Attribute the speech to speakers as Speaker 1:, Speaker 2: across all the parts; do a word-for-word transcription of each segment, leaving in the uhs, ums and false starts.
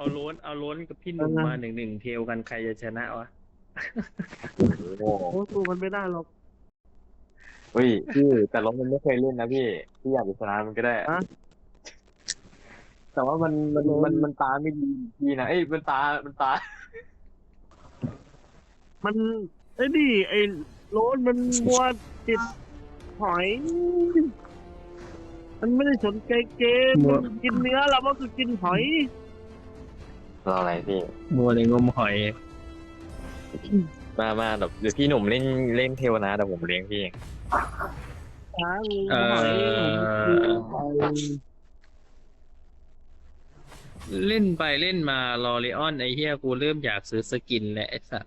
Speaker 1: เอาโล้นเอาโล้นกับพี่หนุ่มมาหนึ่งหนึ่งเทลกันใครจะชนะวะ
Speaker 2: โอ้
Speaker 3: โอ้สู้มันไม่ได้หรอก
Speaker 2: เฮ้ยพี่แต่รถมันไม่เคยเล่นนะพี่พี่อยากจะชนะมันก็ได้
Speaker 3: นะ
Speaker 2: แต่ว่ามันมัน
Speaker 3: โดน
Speaker 2: มันมันตาไม่ดีพี่นะเอ้ยมันตามันตา
Speaker 3: มันไอ้นี่ไอ้โรนมันมัวติดหอยมันไม่ได้สนใจเกม
Speaker 1: มัว
Speaker 3: มันกินเนื้อเราก็คือกินหอย
Speaker 2: รออะไรพี่
Speaker 1: มัวในงมหอย
Speaker 2: มามาเดี๋ยวเดี๋ยวพี่หนุ่มเล่นเล่นเทวนาเดี๋ยวผมเลี้ยงพี่เอง
Speaker 3: หางู
Speaker 1: เอ
Speaker 3: หอย
Speaker 1: อ
Speaker 3: หอย
Speaker 1: เล่นไปเล่นมาลอรีออนไอ้เหี้ยกูเริ่มอยากซื้อสกินแล้วไอ้สัส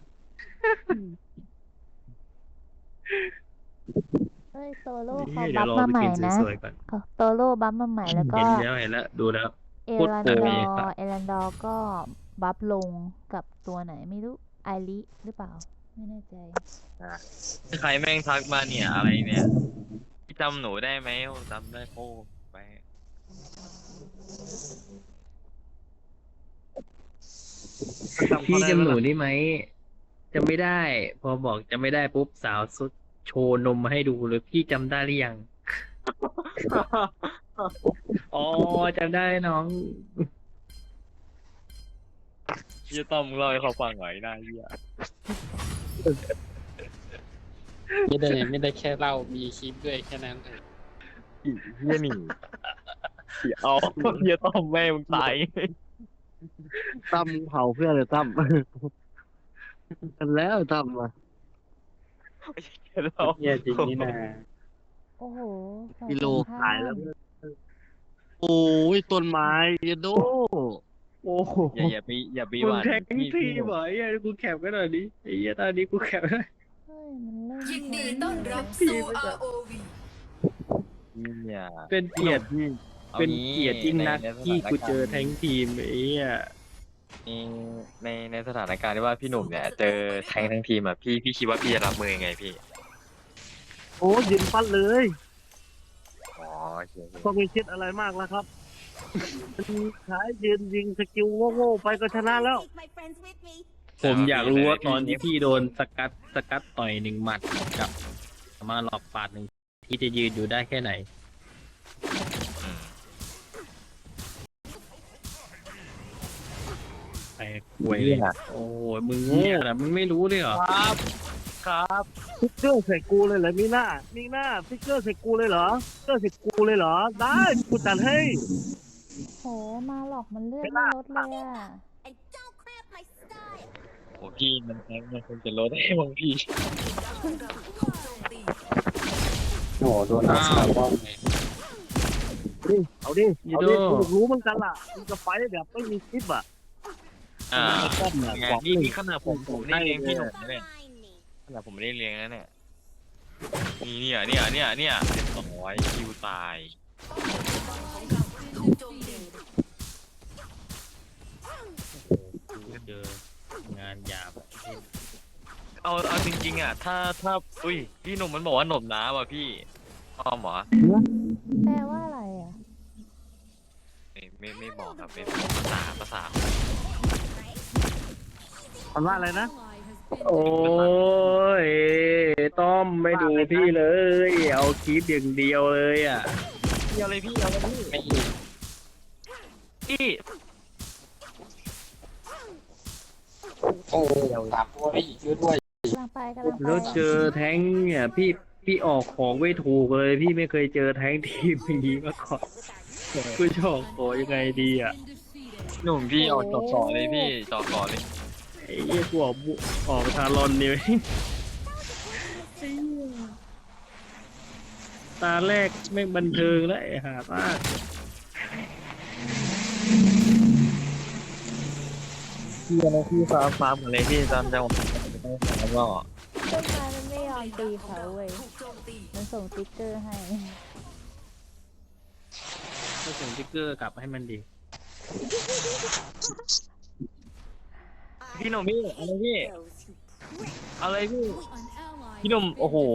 Speaker 4: เฮ้ยโซโล่
Speaker 1: เฮ้
Speaker 4: เขา
Speaker 1: ยเดี๋ยวรอ
Speaker 4: บัฟมา
Speaker 1: ไป
Speaker 4: ใหม่
Speaker 1: กิน
Speaker 4: นะ
Speaker 1: สวยๆก่อน
Speaker 4: เขาโซโล่บัฟมาใหม่แล้วก็
Speaker 1: เห็นแล้วเห็นแล้วดูแล้ว
Speaker 4: เอ
Speaker 1: โคตร
Speaker 4: รัน
Speaker 1: โก
Speaker 4: ด
Speaker 1: ง
Speaker 4: อ
Speaker 1: เลย
Speaker 4: ร์
Speaker 1: สัส
Speaker 4: เอรันดอร์ก็บัฟลงกับตัวไหนไม่รู้ไอริหรือเปล่า ไม่แน่ใจ
Speaker 2: ใครแม่งทักมาเนี่ยอะไรเนี่ยพี่จำหนูได้ไหมจำได้โอ้ไป
Speaker 1: พี่จำหนูได้ไหมจำไม่ได้ พอบอกจำไม่ได้ปุ๊บสาวสุดโชว์นมมาให้ดูเลยพี่จำได้หรือยัง อ๋อจำได้น้อง
Speaker 2: พี่ต้อมเล่าให้เขาฟังหน่อยนะเฮีย
Speaker 5: ไม่ได้ไม่ได้แค่เล่ามีคลิปด้วยแค่นั้นเอง
Speaker 2: เฮียหนีเอาเฮียต้อมแม่มึงตาย
Speaker 3: ตั้มเผาเพื่อนเลยตั้ม กันแล้วตั้มอ่ะ
Speaker 2: เรา
Speaker 5: เฮียจริงนี่นะ
Speaker 4: โอ้โหฝั่ง
Speaker 3: กิโล
Speaker 4: ตรงข้
Speaker 3: ขายแล้ว โอ้ยต้นไม้เยโดโอ้โห
Speaker 2: อย่าอย่าไปอย่าไป
Speaker 1: มึ
Speaker 2: ห
Speaker 1: ง
Speaker 2: วาน
Speaker 1: แท็ก
Speaker 2: พี่
Speaker 1: ที
Speaker 2: พี่หนุ่ม
Speaker 1: เหรอไอ้เหี้ยกูแคปกันหน่อยดิไอ้เหี้ยตอนนี้กูแคปได้
Speaker 4: เฮ้ยมันเล่น
Speaker 6: ยินดีต้อนรับ
Speaker 1: พี่
Speaker 6: สู่
Speaker 1: ไม่ได้
Speaker 6: อาร์ โอ วี
Speaker 2: เนี่ย
Speaker 1: เป็นเกียรติ
Speaker 2: พี่
Speaker 1: เป็นเกียรติยิ่งนักที่กูเจอแทงทีมไอ้เหี้ย
Speaker 2: ในในในสถานการณ์ที่ว่าพี่หนุ่มเนี่ยเจอแทงทั้งทีมอ่ะพี่พี่คิดว่าพี่จะรับมือยังไงพี่
Speaker 3: โอ้ยืนฟัดเลย
Speaker 2: อ๋อโอเคโอเค
Speaker 3: ก็ไม่คิดอะไรมากแล้วครับมันขายยืนยิงสกิลโง่ๆไปก็ชนะแล้ว
Speaker 1: ผมอยากรู้ว่าตอนที่พี่โดนสกัดสกัดต่อยหนึ่งหมัดกับมาหลอกปาดหนึ่งที่จะยืนอยู่ได้แค่ไหน
Speaker 2: อืม
Speaker 1: ไอ้ป่วยเลยโอ้ยมึงโง่นะมึงไม่รู้เลยเหรอ
Speaker 2: ครับครับ
Speaker 3: ฟิกเกอร์ใส่กูเลยเหรอมีหน้ามีหน้าฟิกเกอร์ใส่กูเลยเหรอฟิกเกอร์ใส่กูเลยเหรอ ได้กูจัดให้
Speaker 4: โหมาหลอกมันเลือดไม่ลดเลยอ่ะ
Speaker 2: โอ้พี่มันแทงมันคงจะลดให้บางพี่
Speaker 5: โอ้โหโดนเอาสาวบ้องเลย
Speaker 3: ดิเอาดิ
Speaker 1: ยู
Speaker 3: เอา
Speaker 1: โด
Speaker 3: ดิกูรู้เหมือนกันล่ะมึงจะไฟแบบไม่มีคลิปอ่ะ
Speaker 2: อ่า
Speaker 3: ต้นเนี่ย
Speaker 2: ไง
Speaker 3: บอก
Speaker 2: นี่
Speaker 3: เลย
Speaker 2: นี่ขนาดผมผมได้เลี้ยงพี่หนุ่มนะเนี่ยขนาดผมไม่ได้เลี้ยงนะเนี่ยนี่เนี่ยเนี่ยเนี่ยเนี่ยเรียบร้อยคิวตาย
Speaker 1: เจองานหยาบ
Speaker 2: เอาเอาจริงๆอ่ะถ้าถ้าอุ้ยพี่หนุ่มมันบอกว่าหนมน้ำว่ะพี่อ้อมเหรอ
Speaker 4: แปลว่าอะไรอ่ะ
Speaker 2: ไม่ไม่ไม่บอกครับเป็นภาษาภาษา
Speaker 3: มันว่าอะไรนะ
Speaker 1: โอ้ยต้อมไม่ดูพี่เลย เอาคลิปอย่างเดียวเลยอ่ะ
Speaker 2: พี่เอาเลยพี่เอาเลยพี่
Speaker 5: ไม่
Speaker 2: พี่
Speaker 5: โอ้สามตัวไม่อีกช่วยด้วย
Speaker 4: กำลังไปกำลังไป
Speaker 1: แล้วเจอแท้งเนี่ยพี่พี่ออกของไม่ถูกเลย พี่ไม่เคยเจอแท้งทีมอย่างนี้มาก่อนกูจะออกของยังไงดีอ่ะ
Speaker 2: หนุ่มพี่เอาจอก่อเลยพี่จอก่อเลย
Speaker 1: ไอ้เหี้ยกูออกบุออกทารอนนี่ ตาแรกไม่งบันเทิงแล้วไอ้ห่าตา
Speaker 2: พี่นะพี่ฟาร์มฟาร์มอะไรพี่ตามจังหวะแล้วก็
Speaker 4: ต้นไม้มันไม่ยอมตีเขาเว้ย มันส่งติ๊กเกอร์ให้
Speaker 1: ก็ส่งสติ๊กเกอร์กลับให้มันดี
Speaker 2: พี่หนุ่มพี่อะไรพี่อะไรพี่พี่หนุ่มโอ้โห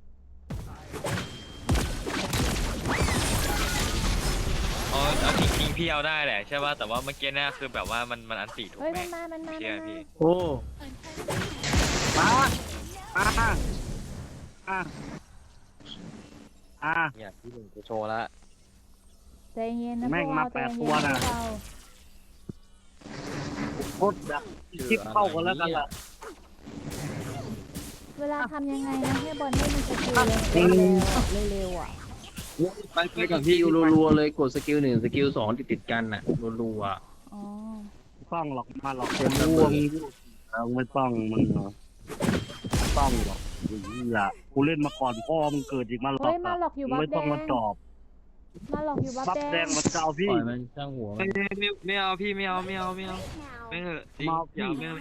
Speaker 2: เอาเอาจริงๆพี่เอาได้แหละใช่ป่ะแต่ว่าเมื่อกี้เนี่ยคือแบบว่ามันมันอันติถูก
Speaker 4: เฮ้ย
Speaker 2: ไหม
Speaker 4: มันมามันมา
Speaker 2: เชื่อ
Speaker 4: มัน
Speaker 2: พี่
Speaker 4: มา
Speaker 1: โอ้
Speaker 3: มาอ่าอ่าอ่า
Speaker 2: เนี่ยพี่หนึ่งจะโชว์ละ
Speaker 4: ใจเย็นนะ
Speaker 3: แม่
Speaker 4: พ
Speaker 3: ง
Speaker 4: วก
Speaker 3: มา
Speaker 4: เรา
Speaker 3: แป
Speaker 4: ใจ
Speaker 3: ด
Speaker 4: เย็น
Speaker 3: ตัวน่ะ
Speaker 4: พวกเรา
Speaker 3: โคตรแบบคลิปเข้ากันแล้วกันล่ะ
Speaker 4: เวลาทำยังไงนะให้บอลให้มันสกิลเร็วๆเร็วๆอ่ะ
Speaker 3: ไปไป
Speaker 1: ไม่
Speaker 3: กั
Speaker 1: กั
Speaker 3: บบ พี่
Speaker 1: พี่รัวๆเลยกดสกิลหนึ่งสกิลสองติดติดๆกันน่ะรัว
Speaker 4: อ๋อ
Speaker 3: ต้องหรอกมาหรอกคนร่วงเราไม่ต้องมึงเหรอต้องหรอกนี่แหละกูเล่นมาก่อนพ่อมึงเกิดอีกมาหรอก
Speaker 4: เฮ้ยมาหลอกอยู่
Speaker 3: มึง
Speaker 4: บัฟ
Speaker 3: ไม่
Speaker 4: แด
Speaker 3: ต้อง
Speaker 4: ง
Speaker 3: มาจอบ
Speaker 4: มาหลอกอยู่บัฟ
Speaker 3: บัฟ
Speaker 4: แด
Speaker 3: แด
Speaker 4: ง
Speaker 3: งมาเจ้า
Speaker 1: ๆ
Speaker 3: พี่
Speaker 1: ปล่อยมันช่างหัวมั
Speaker 2: ไม่
Speaker 1: น
Speaker 2: ไม่ไม่เอาพี่ไม่เอาไม่เอาไม่เอาไม่เหอะจริงอย่าเอาไม่เอา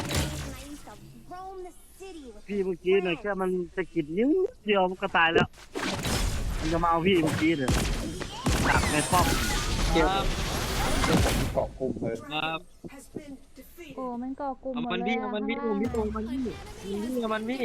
Speaker 3: พี่เมื่อกี้เนี่ยแค่มันจะกิดนิ้วเดียวมันก็ตายแล้วมันจะมาเอาพี่เมื่อกี้เนี่ยจับในป้อม
Speaker 2: ครับ
Speaker 5: เกาะกลุ่มเลย
Speaker 2: ครับ
Speaker 4: โอ้มันก่อกลุ่ม
Speaker 2: เอา
Speaker 4: หม
Speaker 2: มั
Speaker 4: ด
Speaker 2: น
Speaker 4: เลย
Speaker 2: พี่
Speaker 4: อะ
Speaker 2: เอามันพี่
Speaker 4: ข้าง
Speaker 2: พี่ตรง
Speaker 4: ล่าง
Speaker 2: มันพี่พี่เอามันพี่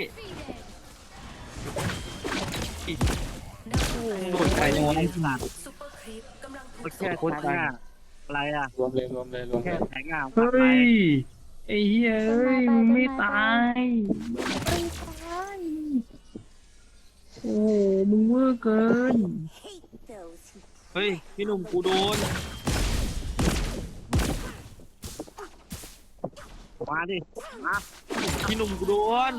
Speaker 2: โดดไปยังไง
Speaker 3: ขนาดก็แค่แทงหน้าอะไรอ่ะ
Speaker 5: รวมเลยรวมเลยรวมเล
Speaker 3: แค่
Speaker 5: ย
Speaker 3: แทงหน้า
Speaker 1: เฮ้ยไอ้เหี้ยเอ้ยมึงไม่ตายไม่ตายโอ้มึงเวอร์เกิน
Speaker 2: เฮ้ยพี่หนุ่มกูโดน
Speaker 3: มาดิมา
Speaker 2: พี่หนุ่มกูโดน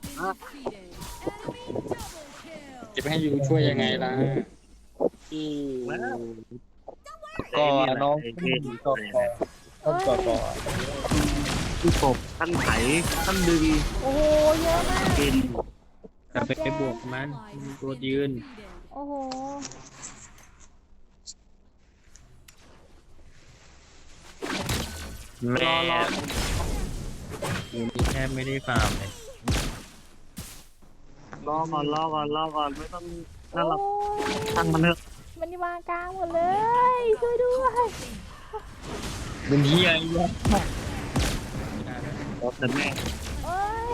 Speaker 5: จะไปให้ยูช่วยยังไงล่ะ
Speaker 3: แล้ว
Speaker 2: ก็น้อง
Speaker 3: ไอ้
Speaker 2: พี่
Speaker 3: นี่
Speaker 2: หนุ่มก็
Speaker 5: ต้องต่อต่อ
Speaker 3: ที่ตบท่านไถท่านดึง
Speaker 4: โอ้โหเยอะมาก
Speaker 3: กิน
Speaker 1: กลับไปไปบวกมันมันตัวยืน
Speaker 4: โอ้โห
Speaker 2: แม่
Speaker 1: กูนี่แทบไม่ได้ฟาร์มเลย
Speaker 3: รอก่อนรอก่อนรอก่อนไม่ต้องนั่นหรอก
Speaker 4: โอ้ย
Speaker 3: ตั้งมันเถอะ
Speaker 4: มันวางกลางหมดเลย ช่วยด้วย
Speaker 2: เป็นเฮียไอ้วะ
Speaker 3: แต่แม่
Speaker 4: โอ้ย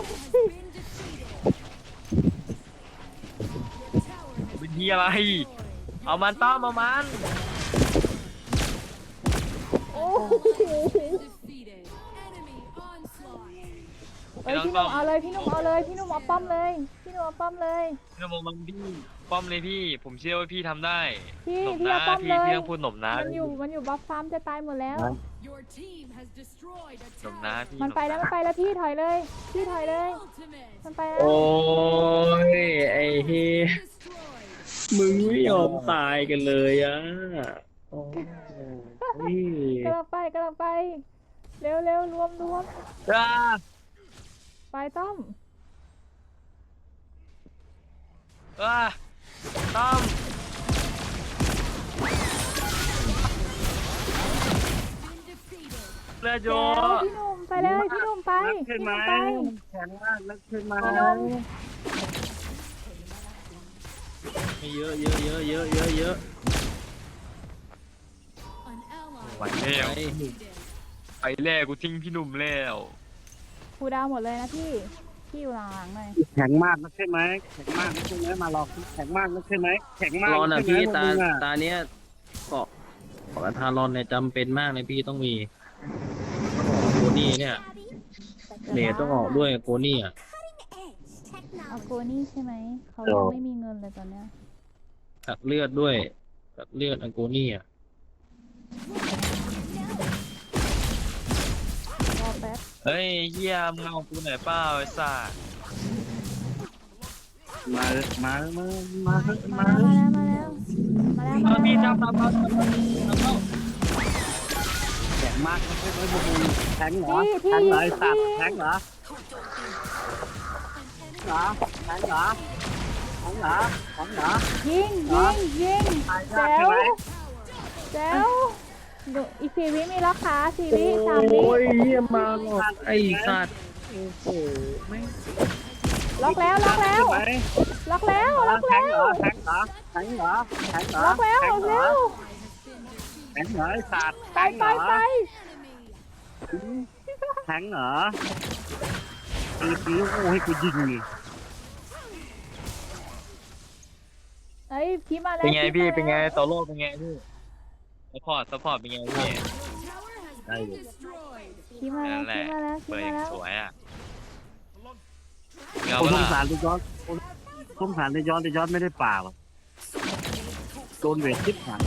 Speaker 2: เป็นเฮียอะไร เอามันต้อมเอามัน
Speaker 4: โอ้โหเฮ้ยพี่หนุ่มเอาเลยพี่หนุ่มเอาเลยพี่หนุ่มเอาป้อมเลยพี่หนุ่มเอาป้อมเลย
Speaker 2: พี่หนุ่มเอามันพี่ป้อมเลยพี่ ผมเชื่อว่าพี่ทำได้
Speaker 4: พี่
Speaker 2: หนม
Speaker 4: พี่
Speaker 2: นะ
Speaker 4: เอาป้อม
Speaker 2: พี่
Speaker 4: เลย
Speaker 2: พี่ต้องพูดหนมนะ
Speaker 4: มันอยู่มันอยู่บัฟฟาร์มจะตายหมดแล้ว
Speaker 2: หนมนะพี่
Speaker 4: มันไปแล้วมันไปแล้วพี่ถอยเลย พี่ถอยเลย มันไปแล้ว
Speaker 1: โอ้ยไอ้เฮียมึงไม่ยอมตายกันเลยอ่ะโอ้ย
Speaker 4: กำลังไปกำลังไป เร็วเร็วรวมรวม
Speaker 2: อ่า
Speaker 4: ไปต้อม
Speaker 2: อ่าต้อม เลือดโย
Speaker 4: แล้วพี่หนุ่มไปเลยพี่หนุ่มไป
Speaker 3: นัก
Speaker 4: พี่
Speaker 3: ขึ้น
Speaker 4: ห
Speaker 3: ไหม
Speaker 4: นุ่มไป
Speaker 3: แข็งมากนักขึ้นไหม
Speaker 4: พี่หนุ่ม
Speaker 1: เยอะเยอะเยอะเยอะเยอะเยอะ
Speaker 2: ไหวแล้ว
Speaker 1: ไอ้
Speaker 2: ไปแล้วกูทิ้งพี่หนุ่มแล้ว
Speaker 4: ครูดาวหมดเลยนะพี่ พี่อยู่หลังๆหน่อย
Speaker 3: แข็งมากนักใช่ไหมแข็งมากนักใช่ไหมมาหลอกแข็งมากนักใช่ไหมแข็งมาก
Speaker 1: รอนอ่ะ
Speaker 3: ใช่ไหม
Speaker 1: พี่
Speaker 3: พวก
Speaker 1: ตา
Speaker 3: มึงอ่ะ
Speaker 1: ตาเนี้ยเกาะเกาะทารอนเนี่ยจำเป็นมากเลยพี่ต้องมีโกนี่เนี่ยเลทต้องออกด้วยโกนี่อ่ะ
Speaker 4: เอาโกนี่ใช่ไหม เขายังไม่มีเงินเลยตอนเนี้ย
Speaker 1: ตัดเลือดด้วยตัดเลือดอังโกนี่อ่ะ
Speaker 4: รอแป๊บ
Speaker 2: เฮ้ยเฮียมึงเอากูหน่อยเปล่าไอ้สัส
Speaker 3: มามามามามา
Speaker 4: มาแล้วมาแล้วมาแล้วมาแล้ว
Speaker 2: เอา
Speaker 4: มา
Speaker 2: พี่
Speaker 4: แล้ว
Speaker 2: จับจับจับจับจับจับ
Speaker 3: แข็งมากนักใช่ไหมพวกมึงแข็งเหรอ
Speaker 4: พี่พี่
Speaker 3: แข็งเหรอไอ้สัตว์
Speaker 4: พี่
Speaker 3: แข็งเหรอเหรอแข็งเหรอแข็งเหรอแข็งเหรอ
Speaker 4: ยิงยิงยิง
Speaker 3: ตาย
Speaker 4: แจ๋
Speaker 3: ยากใช่
Speaker 4: ว
Speaker 3: ไหม
Speaker 4: แจ๋วดูอีกสี่วิมีล็อกขาสี่วิสามวิ
Speaker 1: โอ้ยเยี่ยมมาหรอกไอ้สัตว์โอ้โหแม่ง
Speaker 4: ล็อกแล้วล็อกแล้ว
Speaker 3: ใช่ไหม
Speaker 4: ล็อกแล้วล็อก
Speaker 3: แข็
Speaker 4: แล้
Speaker 3: งเหร
Speaker 4: ว
Speaker 3: อแข็งเหรอแข็งเหรอแข็งเหรอ
Speaker 4: ล็อกแล้ว
Speaker 3: แข็
Speaker 4: ล็
Speaker 3: ง
Speaker 4: อก
Speaker 3: เหร
Speaker 4: แล้
Speaker 3: อ
Speaker 4: ว
Speaker 3: แข็งเหรอไอ้สัตว์
Speaker 4: ไป
Speaker 3: แข็งเห
Speaker 4: ไป
Speaker 3: รอ
Speaker 4: ไป
Speaker 3: แข็งเหรอตีตีโอ้ให้กูยิงนี่
Speaker 4: เอ้ยพี่มาแล้ว
Speaker 2: เป็นไงพี่
Speaker 4: มาแล้ว
Speaker 2: เป็นไงต่อโลกเป็นไงพี่ไอซัพพอร์ตซัพพอร์ตเป็นไงพี่
Speaker 3: ได้เลย
Speaker 4: คีมาแล้วคีมาแล้วคี
Speaker 2: เปิดอ
Speaker 4: มา
Speaker 2: ย่าง
Speaker 4: แล้ว
Speaker 2: สวยอ่ะเงา
Speaker 3: ผมส
Speaker 2: เป
Speaker 3: ง
Speaker 2: ล่า
Speaker 3: สารในย้อนสงสารในย้อนในย้อนไม่ได้ป่าหรอกโดนเวททิพหาย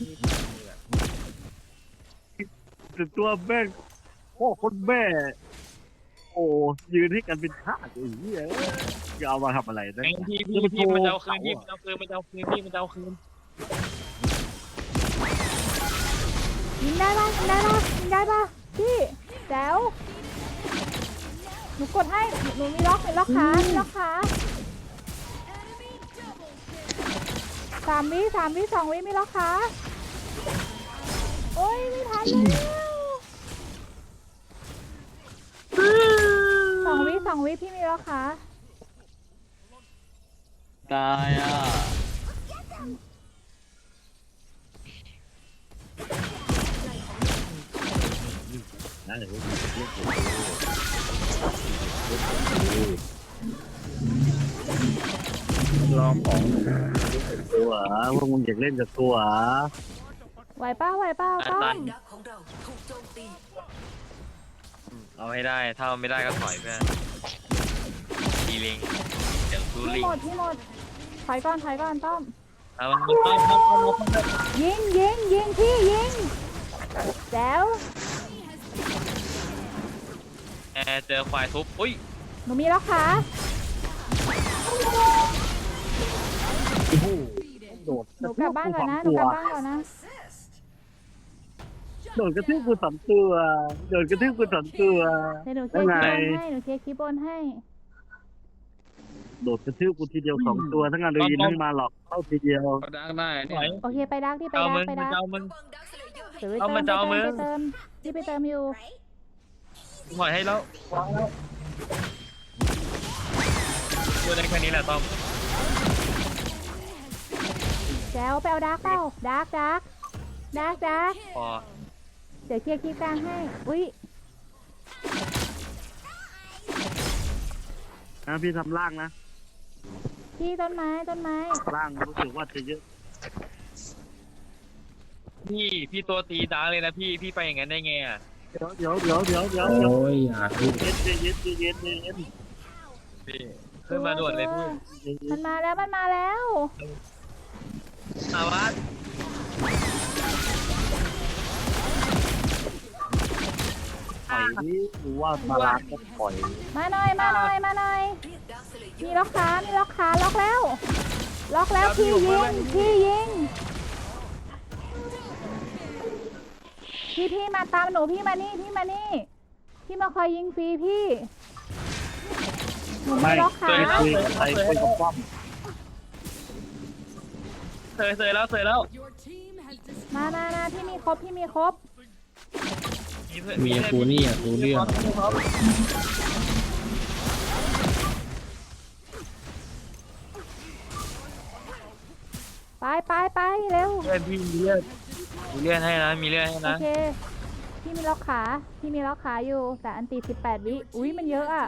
Speaker 3: แต่ตัวแม่งพ่อคนแม่ โอ้ยืนให้กันเป็นท่าสอย่างนี้เลยจะเอามาทำอะไรนะ
Speaker 2: ไอ้พี่พี่พี่มันจะเอาคืนพี่มันจะเอาคืนมันจะเอาคืนพี่มันจะเอาคืน
Speaker 4: ยิงได้ปะยิงได้ปะยิงได้ปะพี่แจ๋วหนูกดให้หนูมีล็อกมีล็อกขามีล็อกขาสามวิสามวิสองวิมีล็อกขาโอ้ยไม่ทันแล้วสองวิสองวิพี่มีล็อกขา
Speaker 5: ตายอ่ะ
Speaker 3: ได้เลยลองของตัวเหรอพวกมึงอยากเล่นกับตัวเหรอ
Speaker 4: ไหวเป้าไหวเป้า
Speaker 2: อา
Speaker 4: ต้อ
Speaker 2: ตั
Speaker 4: ม
Speaker 2: นเอาให้ได้ถ้าไม่ได้ก็ถอยเพื่อนดีลิงเดี๋ยวซู
Speaker 4: พี่
Speaker 2: ลิง
Speaker 4: หมดพี่หมดถอยก่อนถอยก่อนต้อม
Speaker 2: เอามันมันต้อมต้อมต้อมต้อมต้อม
Speaker 4: ยิงยิงยิงพี่ยิงแจ๋ว
Speaker 2: แอร์เจอควายทุบอุ้ย
Speaker 4: หนูมีล็อกขา
Speaker 3: โอ้โหโดด
Speaker 4: หนูกลับบ้านก่อนนะหนูกลับบ้านก่อนนะ
Speaker 3: โดดกระทืบกูสามตัวโดดกระทืบกูสามตัว
Speaker 4: เดี๋ยวหนูเคลียร์คีย์บนให้หนูเคลียร์คีย์บนให้
Speaker 3: โดดกระทืบกูทีเดียวสองตัวทั้งงานโดยยินทั้งมาหลอกเข้าทีเดียว
Speaker 5: ก็ดังได้
Speaker 2: ถ
Speaker 5: เนี่
Speaker 2: อย
Speaker 5: ย
Speaker 4: โอเคไปดักที่ไป
Speaker 2: เอา
Speaker 4: ดั
Speaker 2: มึ
Speaker 4: ก
Speaker 2: ง
Speaker 4: ไป
Speaker 2: มัน
Speaker 4: ดัก
Speaker 2: จะเอามึง
Speaker 4: เดี๋ยวไป
Speaker 2: เอา
Speaker 4: เติ
Speaker 2: มันจะเอามึง
Speaker 4: ไปเติมที่ไปเติมอยู่
Speaker 2: ถอยให้แล้วตัวได้แค่นี้แหละต้อม
Speaker 4: แจ๋วไปเอาดักเปล่าดักดักดักดัก
Speaker 2: พอ
Speaker 4: เดี๋ยวเคลียร์คีย์กลางให้อุ้ย
Speaker 3: นะพี่ทำล่างนะ
Speaker 4: พี่ต้นไม้ต้นไม้
Speaker 3: ล่างรู้สึกว่าจะเยอะ
Speaker 2: พี่พี่ตัวตีดาร์กเลยนะพี่พี่ไปอย่างนั้นได้ไงอ่ะ
Speaker 3: เดี๋ยวเดี๋ยวเดี๋ยวเดี๋ยวเดี๋ยวเดี๋ยว
Speaker 5: โอ้ยอย่าพูด
Speaker 3: เย็นเย็นเย็นเย็นเย็น
Speaker 2: พี่ขึ้นมาด่วนเลยพี่
Speaker 4: มันมาแล้วมันมาแล้ว
Speaker 2: อาวัต
Speaker 3: ปล่อยนี่รู้ว่ามาลาก็ปล่อย
Speaker 4: มาหน่อยมาหน่อยมาหน่อยมีล็อกขามีล็อกขาล็อกแล้ว ล็อกแล้วพี่ยิงพี่ยิงพี่พี่มาตามหนูพี่มานี่พี่มานี่พี่มาคอยยิงฟรีพี่หนูมี
Speaker 3: ไม่
Speaker 4: ล็อกขา
Speaker 3: คุยกับใครคุยกับป้อม
Speaker 2: เสยเสยแล้วเสยแล้ว
Speaker 4: มามามาพี่มีครบพี่มีครบ
Speaker 5: เมียกูนี่อ่ะรู้เรื่อง
Speaker 4: ไปไปไปเร็ว
Speaker 2: เลือดพี่มีเลือดมีเลือดให้นะมีเลือดให้
Speaker 4: โอ
Speaker 2: นะ
Speaker 4: เคพี่มีล็อกขาพี่มีล็อกขาอยู่แต่อันตีสิบแปดวิอุ้ยมันเยอะอ่ะ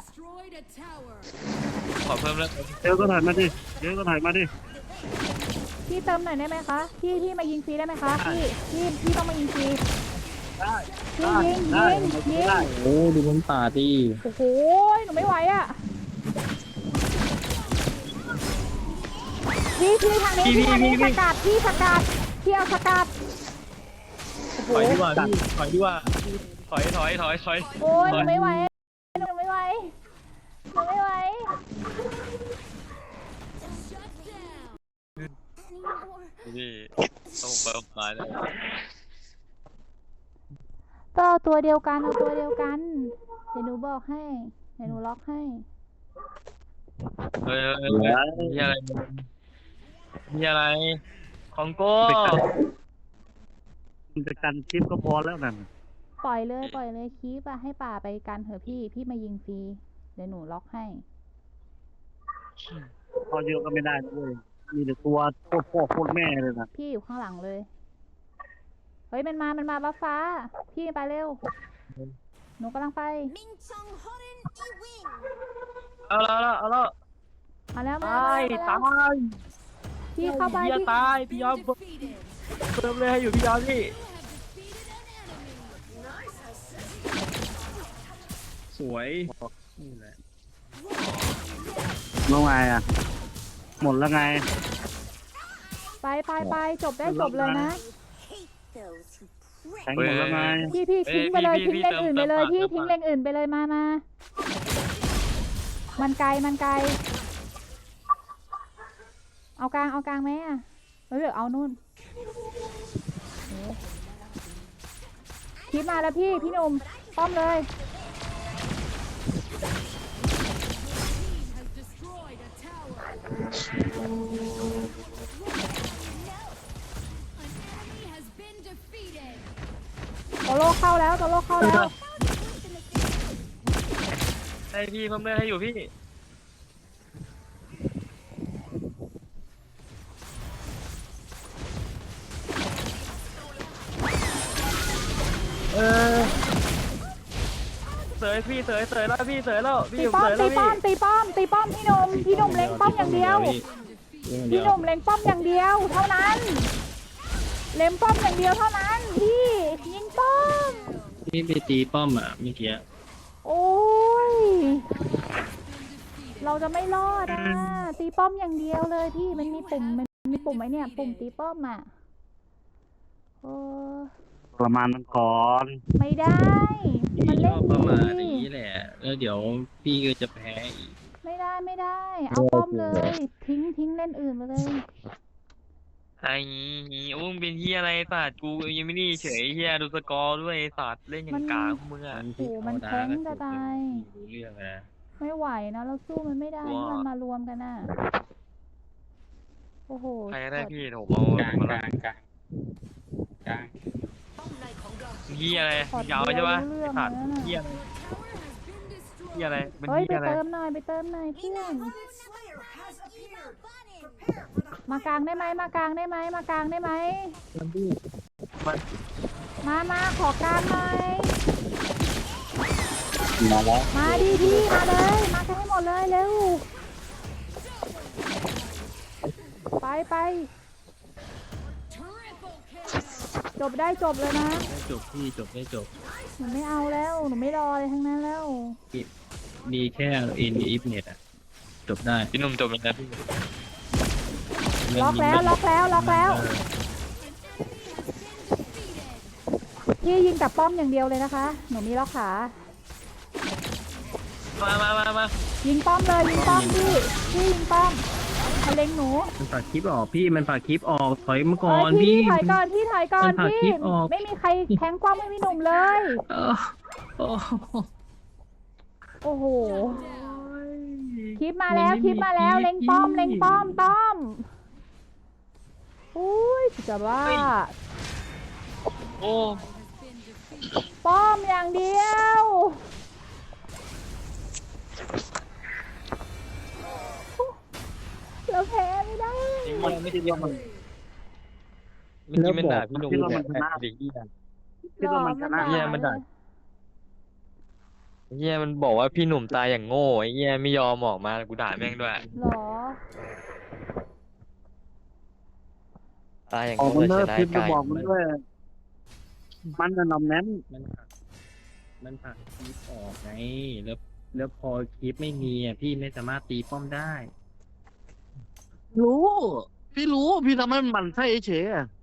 Speaker 2: ขอเพิ่มเลือด
Speaker 3: เดี๋ยวก็ถ่ายมาดิเดี๋ยวก็ถ่ายมาดิ
Speaker 4: พี่เติมหน่อยได้ไหมคะพี่พี่มายิงฟรีได้ไหมคะพี่พี่พี่ต้องมายิงฟรี
Speaker 3: ได้
Speaker 4: พี่ยิง
Speaker 3: ได้
Speaker 4: ยิงยิง
Speaker 3: ได้
Speaker 5: โอ้ดูมันป่าดิ
Speaker 4: โอ้โหหนูไม่ไหวอ่ะพี่พี่ทางนี้พี่ทางนี้สกัดพี่สกัดพี่เอาสกัดโอ้โห
Speaker 2: ถอยดีกว่าพี่ถอยดีกว่าถอยถอยถอยถอย
Speaker 4: โอ้ยหนูไม่ไหวหนูไม่ไหวหนูไม่ไหว
Speaker 2: พี่ต้องเปิดมาเลย
Speaker 4: ก็เอาตัวเดียวกันเอาตัวเดียวกันเดี๋ยวหนูบอกให้เดี๋ยวหนูล็อกให้
Speaker 2: เฮ้ยมีอะไรมีอะไรของโก้
Speaker 3: มันจะกันคลิปก็พอแล้วนั่น
Speaker 4: ปล่อยเลยปล่อยเลยคีบอะให้ป่าไปกันเถอะพี่พี่มายิงฟรีเดี๋ยวหนูล็อกให้
Speaker 3: พอเยอะก็ไม่ได้นะเว้ยมีแต่ตัวโคตรพ่อโคตรแม่เลยนะ
Speaker 4: พี่อยู่ข้างหลังเลย เฮ้ยมันมา มันมาบัฟฟ้า พี่ไปเร็ว หนูกำลังไป
Speaker 2: เอาแล้วเอาแล้ว
Speaker 4: มาแล้วมา
Speaker 2: ตาย
Speaker 4: แล้ว
Speaker 2: ตา
Speaker 4: มาแล้ว
Speaker 2: ย
Speaker 4: พี่เข้าไป
Speaker 2: พี่
Speaker 4: พี่
Speaker 2: ตายพี่ยอมเพิ่มเลยให้อยู่พี่ยอมพี่
Speaker 4: พ
Speaker 1: สวยนี่แหละ
Speaker 3: แล้วไงอ่ะ หมดแล้วไง
Speaker 4: ไปไปไปจบได้จบเลยนะ
Speaker 3: แทงหมดแล้วไง
Speaker 4: พี่พี่ทิ้งไปเลยทิ้งเลนอื่นไปเลยพี่ทิ้งเลนอื่นไปเลยมามามันไกลมันไกลเอากลางเอากลางไหมอ่ะเออเอานู่นคิดมาแล้วพี่พี่หนุ่มป้อมเลย โตโลเข้าแล้วโตโลเข้าแล้ว
Speaker 2: ให้พี่เพิ่มเลือดให้อยู่พี่
Speaker 1: เออ
Speaker 2: เสยพี่เสยเสยแล้วพี่เสยแล้วพี่
Speaker 4: ตี
Speaker 2: ผม
Speaker 4: ป้อ
Speaker 2: เส
Speaker 4: ม
Speaker 2: ยแล้
Speaker 4: ตี
Speaker 2: ว
Speaker 4: ป้อ
Speaker 2: พี่
Speaker 4: มตีป้อมตีป้อมพี่หนุ่มพี่หนุ่มเล็งป้อมอย่างเดียวพี่หนุ่มเล็งป้อมอย่างเดียวเท่านั้นเล็งป้อมอย่างเดียวเท่านั้นพี่ยิงป้อม
Speaker 1: พี่ไปตีป้อมอ่ะเมื่อกี้
Speaker 4: โอ้ยเราจะไม่รอดอ่ะตีป้อมอย่างเดียวเลยพี่มันมีปุ่มมันมีปุ่มไหมเนี่ยปุ่มตีป้อมอ่ะโอ้
Speaker 3: ประมาณมันก่อน
Speaker 4: ไม่ได้
Speaker 1: พี่
Speaker 4: มัน
Speaker 1: ช
Speaker 4: เล่
Speaker 1: อน บประมาณ
Speaker 4: ดี
Speaker 1: นี้แหละ แล้วเดี๋ยวพี่ก็จะแพ้อีก
Speaker 4: ไม่ได้ไม่ได้ เอาป้อมเลย ทิ้งทิ้งเล่นอื่นไปเลย
Speaker 2: ไอ้งี้อุ้มเป็นเฮียอะไรสัตว์กูยังไม่ได้เฉยเฮียดูสกอร์ด้วยไอ้สัตว์เล่นอย่างกากมึงอ่ะ
Speaker 1: พี่
Speaker 4: โอ้มัน
Speaker 1: เอา
Speaker 4: แข็ง
Speaker 1: ดา
Speaker 4: จะตาย
Speaker 1: รู้เรื่องนะ
Speaker 4: ไม่ไหวนะเราสู้มันไม่ได้
Speaker 2: ว้า
Speaker 4: มันมารวมกันน่ะโอ้โห
Speaker 2: ใครก็ได้
Speaker 4: กด
Speaker 2: พี่ผมเอา
Speaker 5: กลาง
Speaker 2: มาก
Speaker 5: ลางกลางกลาง
Speaker 2: เฮียอะไร
Speaker 4: ขอด
Speaker 2: ยาวใช่ปะ
Speaker 4: เดียว
Speaker 2: ไอ้สัตว์
Speaker 4: รู้เรื่อง
Speaker 2: เฮีย
Speaker 4: เลย
Speaker 2: เฮียอะไรเป็น
Speaker 4: เฮ้ย
Speaker 2: เฮี
Speaker 4: ไป
Speaker 2: ยอะไร
Speaker 4: เติมหน่อยไปเติมหน่อยเพื่อนมากลางได้ไหมมากลางได้ไหมมากลางได้ไหม
Speaker 2: มัน
Speaker 4: มามาขอกลางหน่อย
Speaker 5: มาแล้ว
Speaker 4: มาดีพี่มาเลยมากันให้หมดเลยเร็วไปไปจบได้จบเลยนะ
Speaker 1: ได้จบพี่จบได้จบ
Speaker 4: หนูไม่เอาแล้วหนูไม่รอเลยทั้งนั้นแล้ว
Speaker 1: มีแค่เอ็นอีฟเน็ตอ่ะ จบได้
Speaker 2: พี่หนุ่มจบแล้วนะพี่
Speaker 4: ล็อกแล้วล็อกแล้วล็อกแล้ว
Speaker 1: เออ
Speaker 4: พี่ยิงแต่ป้อมอย่างเดียวเลยนะคะ หนูมีล็อกขา
Speaker 2: มามามามา
Speaker 4: ยิงป้อมเลยยิงป้อมพี่พี่ยิงป้อมมาเล็งหนู
Speaker 1: มันฝากคลิปออกพี่มันฝากคลิปออกถอยมาก่
Speaker 4: เอ้
Speaker 1: อย น
Speaker 4: พี่
Speaker 1: พี่
Speaker 4: ถอยก่อนพี่ถอยก่อน
Speaker 1: มันผลัก
Speaker 4: พี่
Speaker 1: คลิปออก
Speaker 4: ไม่มีใครแทงป้อมให้พี่หนุ่มเลย
Speaker 1: เออโอ้โห
Speaker 4: โอ้โหคลิปมาแล้วคลิปมาแล้วเล็งป้อมเล็งป้อมป้อมอุ้ยจะบ้า
Speaker 2: โอ้
Speaker 4: ป้อมอย่างเดียวเราแพ้ไม่ได้
Speaker 2: ไอ้เฮียไม่ได้เรียกมันเมื่อกี้มันด่าพี่หนุ่มเนี่ยเด็กเฮีย
Speaker 3: คิดว่ามันชนะ
Speaker 2: เหี้ยมันด่า ไอ้เฮียมันบอกว่าพี่หนุ่มตายอย่างโง่ไอ้เฮียไม่ยอมออกมากูด่าแม่งด้วย
Speaker 4: หรอ
Speaker 2: ตายอย่าง
Speaker 3: ออก
Speaker 2: โง่
Speaker 3: มัน
Speaker 2: แต่
Speaker 3: เลิ
Speaker 2: ช
Speaker 3: ก
Speaker 2: นะ
Speaker 3: พิมพ์จะ
Speaker 2: กาย
Speaker 3: บอกมันด้วย มันจะนำแน้น
Speaker 1: มันผลักมันผลักคลิปออกไงแล้วแล้วพอคลิปไม่มีอ่ะพี่ไม่สามารถตีป้อมได้
Speaker 3: รู้ พี่รู้ พี่ทำให้มันหมันไส้เฉยๆอะ